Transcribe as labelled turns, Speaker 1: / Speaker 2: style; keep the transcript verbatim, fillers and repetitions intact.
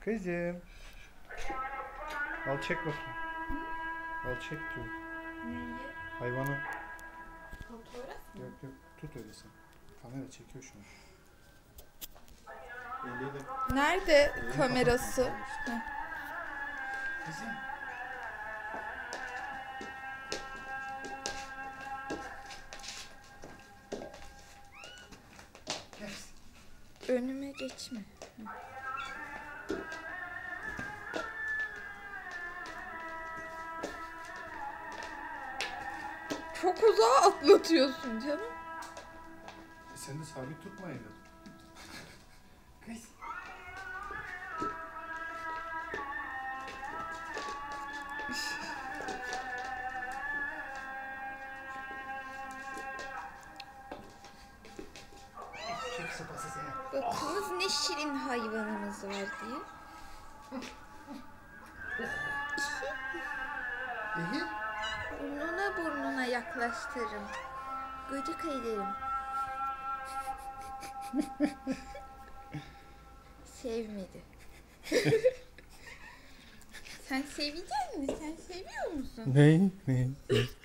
Speaker 1: Kızım. Al çek bakayım. Al çek diyor.
Speaker 2: Neyi?
Speaker 1: Hayvanı.
Speaker 2: Fotoğraf mı?
Speaker 1: Yok yok tut öyle sen. Kamera çekiyor şu an. Eliyle.
Speaker 2: Nerede
Speaker 1: Elini
Speaker 2: kamerası?
Speaker 1: kapatma işte.
Speaker 2: Heh.
Speaker 1: Kızım. Gel.
Speaker 2: Önüme geçme. Çok uzağa atlatıyorsun canım.
Speaker 1: E sen de sabit tutma elini. Kız. Çek sopası seni.
Speaker 2: Bakınız ne şirin hayvanımız var diye.
Speaker 1: İyi.
Speaker 2: Burnuna burnuna yaklaştırırım. Gıcık ederim. Sevmedi. Sen sevecek misin? Sen seviyor musun?
Speaker 1: Ne? Ne?